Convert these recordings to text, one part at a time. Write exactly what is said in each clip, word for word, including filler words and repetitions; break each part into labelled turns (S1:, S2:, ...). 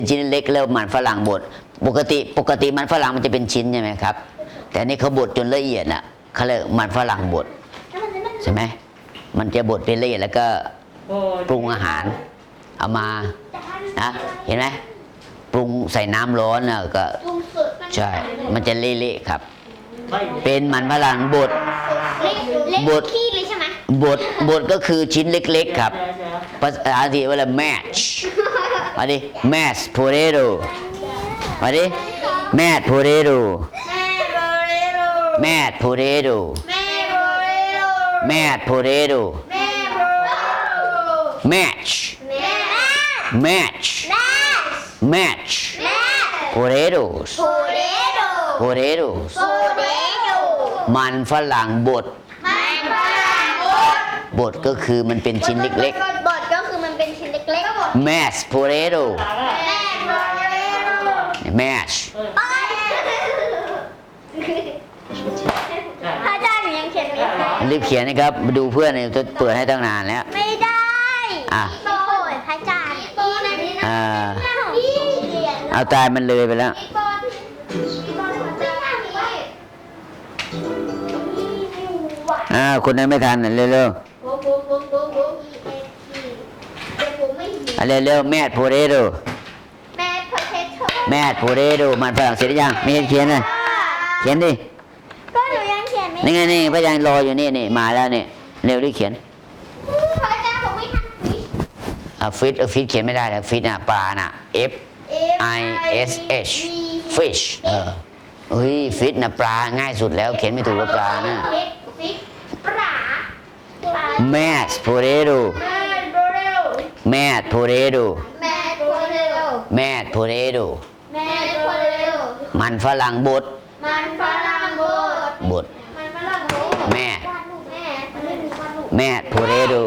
S1: ชิ้นเล็กแล้วมันฝรั่งบดปกติปกติมันฝรั่งมันจะเป็นชิ้นใช่ไหมครับแต่นี่เขาบดจนละเอียดอ่ะเขาเรียกมันฝรั่งบดใช่ไหมมันจะบดเป็นละเอียดแล้วก็ปรุงอาหารเอามานะเห็นไหมปรุงใส่น้ำร้อนนะก็ใช่มันจะเละๆครับเป็นมันฝรั่งบดบดขี้เลยใช่ไหมบดบดก็คือชิ้นเล็กๆครับภาษาอังกฤษว่า match มาดิ mash potato มาดิ mash potato mash potato mash potato match match match potatoes potatoes มันฝรั่งบดบดก็คือมันเป็นชิ้นเล็ก
S2: ๆบดก็คือมันเป็นชิ้นเล็ก
S1: ๆ mash potato mash
S2: พระอาจารย์หนูยังเขียนไม่ได้
S1: รีบเขียนนะครับมาดูเพื่อนเนี่ยจะเปิดให้ตั้งนานแล้ว
S2: ไม่ได้
S1: อ่ะ
S2: โอ้ยพระอาจารย์
S1: อ่าเอาตายมันเลยไปแล้วอ่าคนนั้นไม่ทันเร็วๆเร็วเร็วแมดโพเรโด
S2: แมดโพเทโต้
S1: แมดโพเรโดมันฝรั่งเศสยังไม่เห็นเขียนเลยเขียนดิ
S2: ก็หนูยังเขียนไม่
S1: นี่ไงนี่พระยังรออยู่นี่นี่มาแล้วนี่เร็วรีบเขียน
S2: พระอาจารย์ผมไม่ทัน
S1: อ่ะฟิชฟิชเขียนไม่ได้แล้วฟิชน่ะปลาน่ะ F I S H fish เออเฮ้ยฟิชน่ะปลาง่ายสุดแล้วเขียนไม่ถูกว่าปลานะ
S2: ปลา
S1: Mashed potato Mashed potato Mashed potato มันฝรั่งบด
S2: มันฝรั่งบด
S1: บด
S2: มันฝรั่งบด
S1: แม่แม่ potato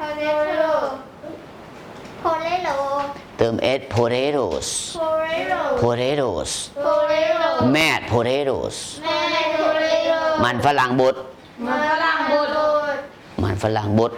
S2: โพเรโล
S1: เติม s potatoes potatoes แม่ potatoes มันฝรั่งบด
S2: มันฝรั่งบด
S1: มันฝรั่งบด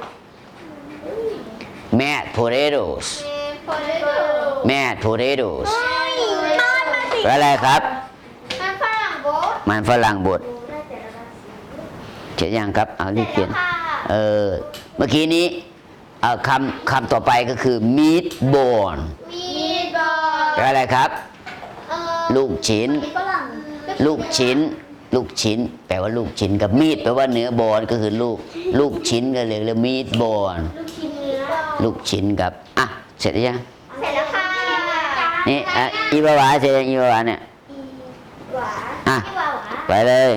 S1: แม่ potatoes แม่ potatoes เป็นอะไรครับ
S2: มันฝรั่งบด
S1: มันฝรั่งบดเขียนยังครับเอารีบเขียนเออเมื่อกี้นี้เอาคำคำต่อไปก็คือ meatball เป็นอะไรครับลูกชิ้นลูกชิ้นลูกชิ้นแปลว่าลูกชิ้นกับมีดแปลว่าเนื้อบอลก็คือลูกลูกชิ้นก็เลยเรียกมีดบอลลูกชิ้นกับอ่ะเสร็จหรือยัง
S2: เสร็จแล้วค่ะ
S1: นี่อ่ะอีบาวาเสร็จยังอีบาวาเนี่ยอ่ะไปเลย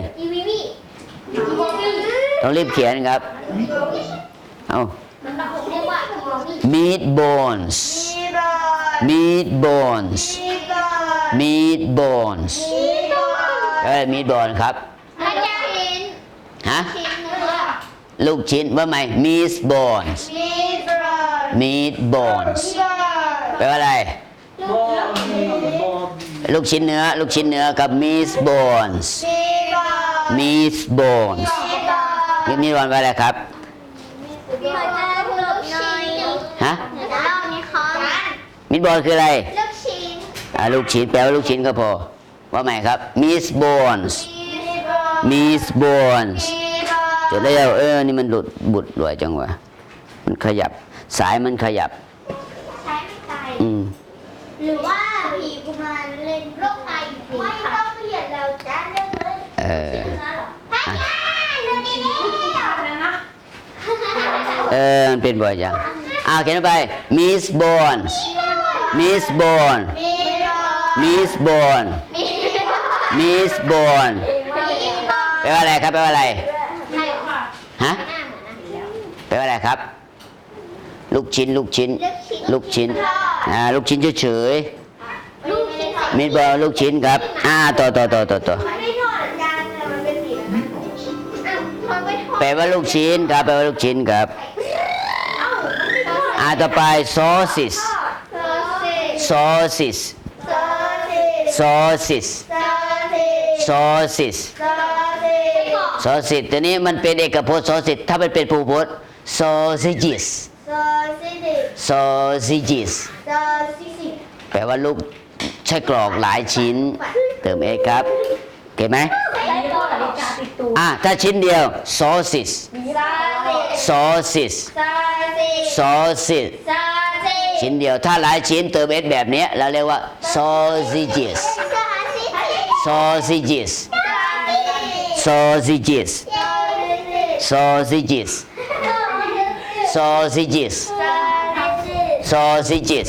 S1: ต้องรีบเขียนครับเอา meatballs meatballs meatballs เอ้ย meatball ครับฮะลูกชิ้นว่าไหม meatballs meatballs แปลว่าอะไรลูกชิ้นเนื้อลูกชิ้นเนื้อกับ meatballs meatballs นี่มีวันว่าอะไรครับฮะมิตบอลคืออะไร
S2: ลูกชิ้น
S1: อ่าลูกชิ้นแปลว่าลูกชิ้นก็พอว่าไหมครับ miss bones miss bones จดได้แล้วเออนี่มันหลุดบุดรวยจังวะมันขยับสายมันขยับ
S2: ใช้ไม่ตาย
S1: อืม
S2: หรือว่าผีกุมารเล่นโรคไตไม่ต้องเปลี่ยนแล้วจ้าเรื่องเลย
S1: เออเออมันเป็นบ่อยจังอ่าเขียนไป miss bones miss bone miss bone miss bone แปลว่าอะไรครับแปลว่าอะไรฮะแปลว่าอะไรครับลูกชิ้นลูกชิ้นลูกชิ้นอ่าลูกชิ้นเฉยๆมิสบอลลูกชิ้นครับอ่าต่อต่อต่อต่อต่อแปลว่าลูกชิ้นครับแปลว่าลูกชิ้นครับอ่าต่อไป sauces sauces sauces sauces sauces ตัวนี้มันเป็นเอกพจน์ sauces ถ้ามันเป็นภูพจน์ sausages sausages แปลว่าลูกไส้กรอกหลายชิ้น เติม s ครับโอเคไหม
S3: ใช้ตัวนาฬิกาติดตัว
S1: อ่ะถ้าชิ้นเดียว sausage
S2: ซาซิ
S1: sausage
S2: ซาซิ
S1: sausage
S2: ซาซิ
S1: ชิ้นเดียวถ้าหลายชิ้นเติม s แบบเนี้ยเราเรียกว่า sausages
S2: ซาซิ
S1: sausages sausages sausages sausages sausages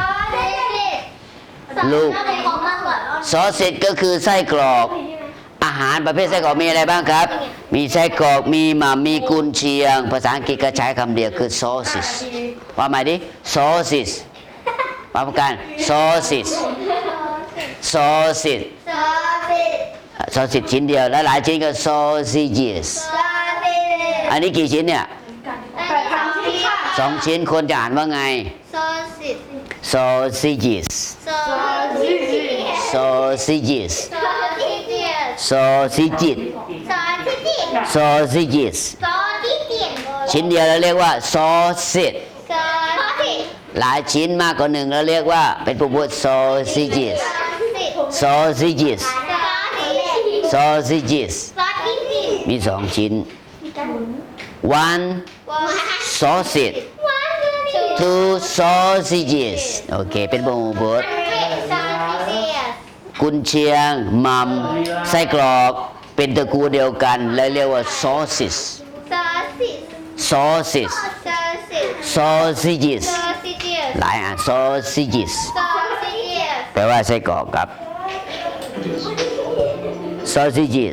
S1: ลูก sausage ก็คือไส้กรอกอาหารประเภทไส้กรอกมีอะไรบ้างครับ มีไส้กรอกมีหม่ำมีกุนเชียง ภาษาอังกฤษก็ใช้คำเดียวคือ sausage ว่าใหม่ดิ sausage มาพร้อมกัน sausage sausage
S2: ซาซิ
S1: sausage ชิ้นเดียวแล้วหลายชิ้นก็ sausages
S2: ซาซิ
S1: อันนี้กี่ชิ้นเนี่ย
S3: แปดครั้งที่ค่ะ
S1: สองชิ้นคนจะอ่านว่าไง
S2: ซาซิ
S1: sausages
S2: ซาซิ
S1: sausages
S2: ซาซิเจีย
S1: sausages
S2: ซาซิเจีย
S1: sausages
S2: ซาซิเจีย
S1: ชิ้นเดียวเราเรียกว่า sausage
S2: ซาซิ
S1: หลายชิ้นมากกว่าหนึ่งเราเรียกว่าเป็นผู้พูด sausages sausages sausages
S2: ซาซิเจีย
S1: มีสองชิ้น one sausage two sausages โอเคเป็นผู้พูดกุนเชียงมัมไส้กรอกเป็นตระกูลเดียวกันเลยเรียกว่า sausages sausages sausages หลายอ่ะ sausages แปลว่าไส้กรอกครับ sausages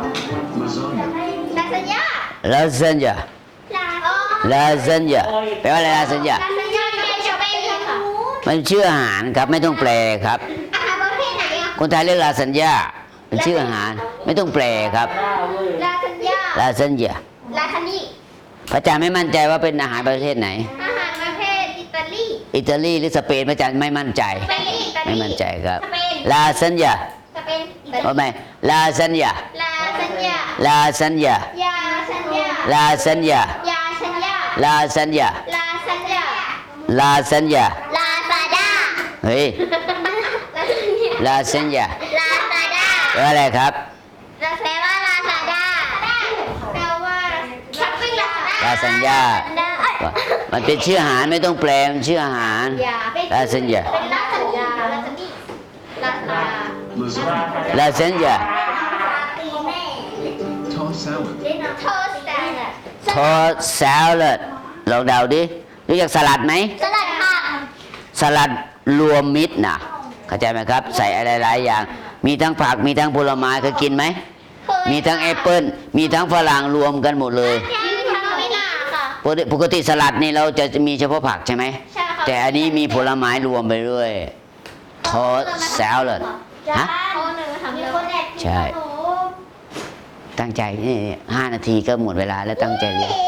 S1: lasagna lasagna แปลว่าอะไร lasagna มันชื่ออาหารครับไม่ต้องแปลครับ คนไทยเรียก lasagna เป็นชื่ออาหารไม่ต้องแปลครับ lasagna พระอาจารย์ไม่มั่นใจว่าเป็นอาหารประเทศไหน
S2: อาหารประเภทอิตาลี
S1: อิตาลีหรือสเปนพระอาจารย์ไม่มั่นใจ
S2: สเปนอิตาลี
S1: ไม่มั่นใจครับ
S2: สเปน
S1: lasagna
S2: สเปนอิตาลี
S1: ว่าไหม lasagna
S2: ลาซันยา
S1: lasagna
S2: ยาซันยา
S1: lasagna
S2: ยาซันยา
S1: lasagna
S2: ลาซันยา
S1: lasagna
S2: ลาซาด้า
S1: เฮ้ย lasagna
S2: ลาซาด้า
S1: แปลว่าอะไรครับ
S2: แปลว่าลาซาด้าแปลว่าช้อปปิ้งลา
S1: lasagna มันเป็นชื่ออาหารไม่ต้องแปลมันชื่ออาหาร
S2: ลา
S1: lasagna
S2: เป็นลาซันยาลาซันนี่ลาซา
S1: lasagna
S4: Tossed salad.
S2: โทสต์
S1: tossed salad ลองเดาดิรู้จักสลัดไหม
S2: สลัดผัก
S1: สลัดรวมมิตรนะเข้าใจไหมครับ ใส่อะไรหลายอย่าง มีทั้งผักมีทั้งผลไม้เคยกินไหม มีทั้งแอปเปิ้ลมีทั้งฝรั่งรวมกันหมดเลย
S2: ยืนทำไม่น่าค่ะ
S1: ปกติปกติสลัดนี่เราจะมีเฉพาะผักใช่ไหม
S2: ใช่ค่ะ
S1: แต่อันนี้มีผลไม้รวมไปด้วย tossed salad ฮะ
S2: เขาหนึ่งทำคนแอบ
S1: ใช่ ตั้งใจนี่ห้านาทีก็หมดเวลาแล้วตั้งใจเรียน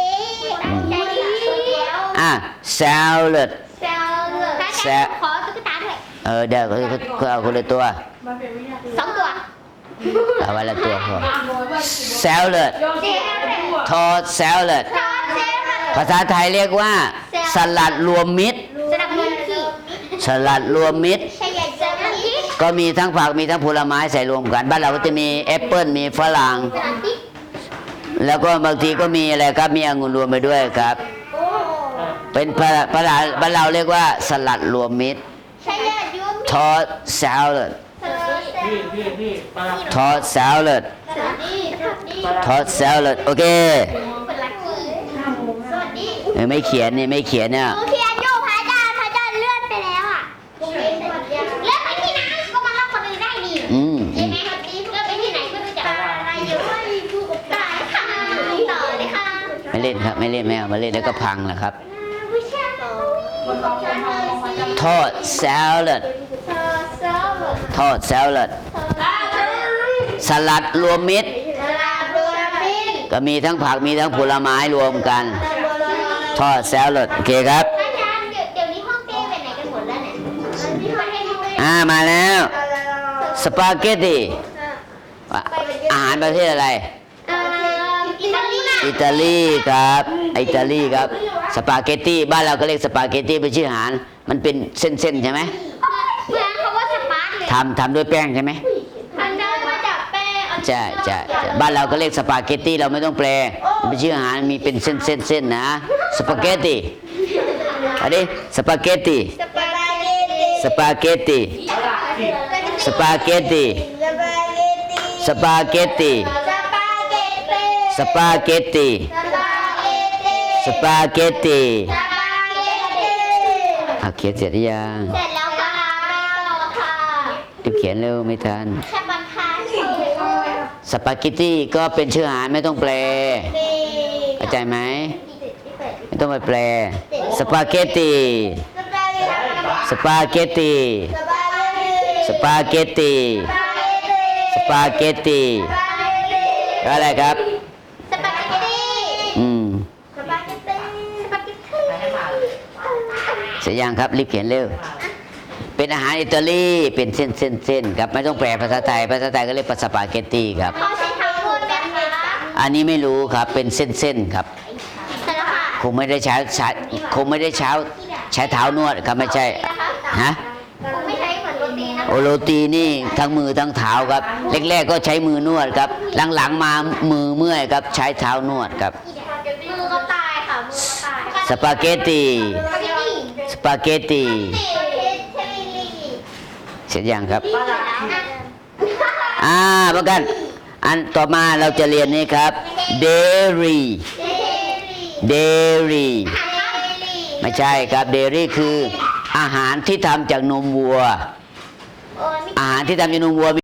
S1: อ่ะ salad
S2: แซวเลย
S1: แซว
S2: ขอตุ๊กตาด้วย
S1: เออเดี๋ยวเขาเขาเอาคนละตัว
S2: สองตัว
S1: เอาไว้ละตัวพอ salad tossed salad ภาษาไทยเรียกว่า สลัดรวมมิตร
S2: สลัดมือขีด
S1: สลัดรวมมิตร
S2: ใช่ใหญ่สลัดพริก
S1: ก็มีทั้งผักมีทั้งผลไม้ใส่รวมกัน บ้านเราก็จะมีแอปเปิลมีฝรั่ง
S2: สลัดพริก
S1: แล้วก็บางทีก็มีอะไรครับ มีองุ่นรวมไปด้วยครับ
S2: โอ้
S1: เป็นภาษาภาษาบ้านเราเรียกว่า สลัดรวมมิตร
S2: ใช่ใหญ่ยูมิ
S1: tossed salad
S2: สลัด
S5: พี่พี่พี่มา
S1: tossed salad
S2: สวัสดีสวัสดี
S1: tossed salad โอเค
S2: เป็นลักกี้สวัสดี
S1: เออไม่เขียนนี่ไม่เขียนเนี่ย
S2: หนูเขียนอยู่พระอาจารย์พระอาจารย์เลื่อนไปแล้วอ่ะเลื่อนไปที่ไหนก็มาเล่าคนอื่นได้ดิ
S1: อืม
S2: ใช่ไหมครับดีเลื่อนไปที่ไหนก็รู้จักอะไรอยู่ว่าพูดกับตายค่ะต่อเลยค่ะ
S1: ไม่เล่นครับไม่เล่นไม่เอามาเล่นแล้วก็พังแหละครับ
S2: วิชาต่อ
S1: tossed salad
S2: เธอเซลล์
S1: tossed salad สลัดรวมมิตร
S2: สลาโดราบิน
S1: ก็มีทั้งผักมีทั้งผลไม้รวมกัน tossed salad โอเคครับ
S2: อาจารย์เดี๋ยวเดี๋ยวนี้ห้องเต้ไปไหนกันหมดแล้วเนี่ยที่ประเทศห้องเต้
S1: อ่ามาแล้วสปาเกตตีอาหารประเทศอะไร
S2: เอ่ออิตาลี
S1: อิตาลีครับอิตาลีครับสปาเกตตีบ้านเราก็เรียกสปาเกตตีเป็นชื่ออาหารมันเป็นเส้นๆใช่ไหม
S2: เหมือน
S1: ทำทำด้วยแป้งใช่ไหม
S2: มันได้มาจากแป้ง
S1: ใช่ใช่ใช่บ้านเราก็เรียกสปาเกตตี้เราไม่ต้องแปลมันเป็นชื่ออาหารมีเป็นเส้นเส้นเส้นนะสปาเกตตี้อันนี้สปาเกตตี้
S2: สปาเกตตี้
S1: สปาเกตตี้สปาเกตตี้สปาเกตตี้สปาเกตตี้อ่ะเขียนเสร็จหรือยัง
S2: เสร็จแล้วค่ะค่ะ
S1: รีบเขียนเร็วไม่ทัน
S2: แค่บังคับเฉย
S1: สปาเกตตี้ก็เป็นชื่ออาหารไม่ต้องแปลเข้าใจไหมไม่ต้องไปแปลสปาเกตตี้สปาเกตตี้สปาเกตตี้สปาเกตตี้แล้วอะไรครับ
S2: สปาเกตตี้
S1: อืม
S2: สปาเกตตี้สปาเกตตี้
S1: เสร็จยังครับรีบเขียนเร็วเป็นอาหารอิตาลีเป็นเส้นเส้นเส้นครับไม่ต้องแปลภาษาไทยภาษาไทยก็เรียกสปาเกตตี้ครับ
S2: เขาใช้ทั้งหมดไหมคะ
S1: อันนี้ไม่รู้ครับเป็นเส้นเส้นครับ
S2: เสร็จแล้วค่ะ
S1: คงไม่ได้ใช้ใช้คงไม่ได้ใช้ใช้เท้านวดครับไม่ใช่ฮะ
S2: ผมไม่ใช้เหมือนโรตีนะ
S1: โอโรตีนี่ทั้งมือทั้งเท้าครับแรกๆก็ใช้มือนวดครับหลังๆมามือเมื่อยครับใช้เท้านวดครับ
S2: มือก็ตายค่ะมือก็ตาย
S1: สปาเกตตีสปาเกตตีเสร็จยังครับอ่าประกันอันต่อมาเราจะเรียนนี้ครับ dairy dairy ไม่ใช่ครับ dairy คืออาหารที่ทำจากนมวัว อาหารที่ทำจากนมวัว